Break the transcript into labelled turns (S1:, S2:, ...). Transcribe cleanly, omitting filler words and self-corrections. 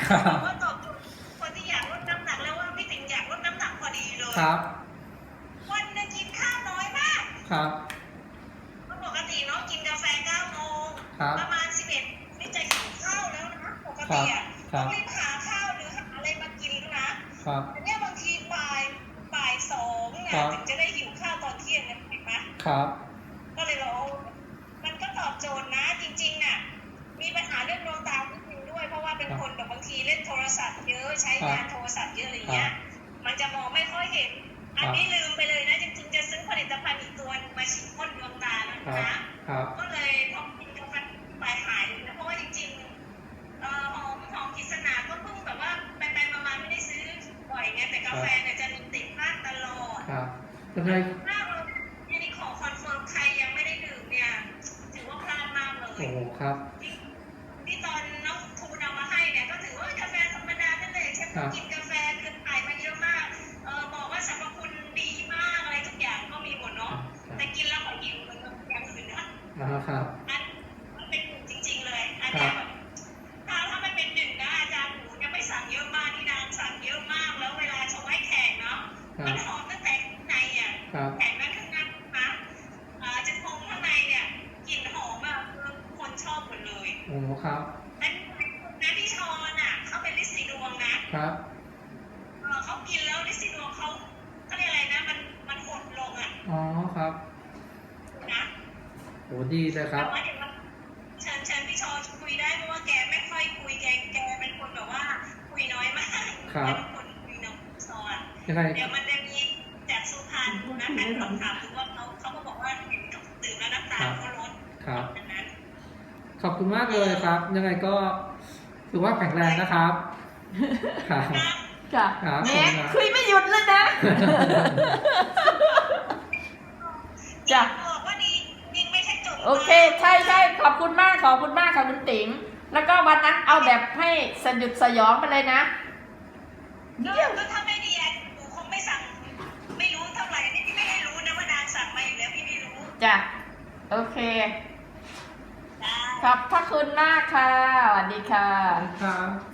S1: ว่าตอบโจทย์คนที่อยากลดน้ำหนักแล้วว่าพี่ติ๋งอยากลดน้ำหนักพอดีเลย
S2: ครับ
S1: วันนึงกินข้าวน้อยมาก
S2: ครับ
S1: ปกติเนาะกินกาแฟ9 โมงประมาณ11นี่จะหิวข้าวแล้วนะปกติอ่ะต้องรีบหาข้าวหรือหาอะไรมากินนะครับแต่เนี่ยบางทีบ่าย 2เนี่ยถึงจะได้หิวข้าวตอนเที่ยงนะเห็นไหม
S2: ครับ
S1: ก็เลยเรามันก็ตอบโจทย์นะจริงๆน่ะมีปัญหาเรื่องดวงตานิดนึงด้วยเพราะว่าเป็นคนแบบบางทีเล่นโทรศัพท์เยอะใช้งานโทรศัพท์เยอะอะไรเงี้ยมันจะมองไม่ค่อยเห็นอันนี้ลืมไปเลยนะจริงๆจะซื้อผลิตภัณฑ์อีกตัวมาฉีดพ่นดวงตาแล้วนะก็เลยพอกินกาแฟไปหายเลยนะเพราะว่าจริงๆหอมกิษณาก็เพิ่งแบบว่าไปมาไม่ได้ซื้อบ่อยไงแต่กาแฟเนี่ยจะมีติดบ้านตลอด
S2: ยังไง
S1: ถ้าเราอันนี้ขอคอนเฟิร์มใครยังไม่ได้ดื่มเนี่ยถือว่าพลาดมากเลย
S2: โอ้ครับ
S1: ที่ตอนน้องทูนำมาให้เนี่ยก็ถือว่ากาแฟธรรมดานั่นเลยแค่กินกาแฟคือขายมาเยอะมากบอกว่าสรรพคุณดีมากอะไรทุกอย่างก็มีหมดเนาะแต่กินแล้วก็หิวเหมือนอย่างอื่นนะครับอันมันเป็นหนึ่งจริงๆเลยอันนี้แบบถ้าไม่เป็นหนึ่งนะอาจารย์หนูยังไม่สั่งเยอะมากที่นางสั่งเยอะมากแล้วเวลาชงให้แขกเนาะมันหอมตั้งแต่ข้างในอ่ะแขกนั้นข้างในนะจะพงข้างในเนี่ยกลิ่นหอมอ่ะคือคนชอบหมดเลย
S2: โอ้ครับ
S1: นั่นพี่ชอนอ่ะเขาเป็นฤทธิ์สีดวงนะครับเขากินแล้วฤทธิ์สีดวงเขาเรียกอะไรนะมันหดลงอ่ะ
S2: อ๋อครับ
S1: นะ
S2: โหดีเลยครับ
S1: แต่ว่าเดี๋ยวเชิญพี่ชอนคุยได้เพราะว่าแกไม่ค่อยคุยแกเป็นคนแบบว่าคุยน้อยมากเป็นคนคุยน้อยชอนเดี๋ยวมันจะมีจากสุพรรณนะเป็นคำถามดูว่าเขาก็บอกว่าเห็นดื่มแล้วน้ำตาลเขาลด
S2: ครับขอบคุณมากเลยครับยังไงก็ถือว่าแข็งแรงนะครับ
S3: ค่ะเนี่ยคุยไม่หยุดเลยนะจ้ะโอเคใช่ขอบคุณมากค่ะคุณติ๋งแล้วก็วันนั้นเอาแบบให้สยดสยองไปเลยนะ
S1: ก็ถ้าไม่ดีหนูคงไม่สั่งไม่รู้เท่าไหร่นี่พี่ไม่ได้รู้นะว่านางสั่งมาอยู่แล้วพี่ไม่รู้
S3: จ้ะโอเคขอบพระคุณมากค่ะสวัสดีค่ะ
S2: ครับ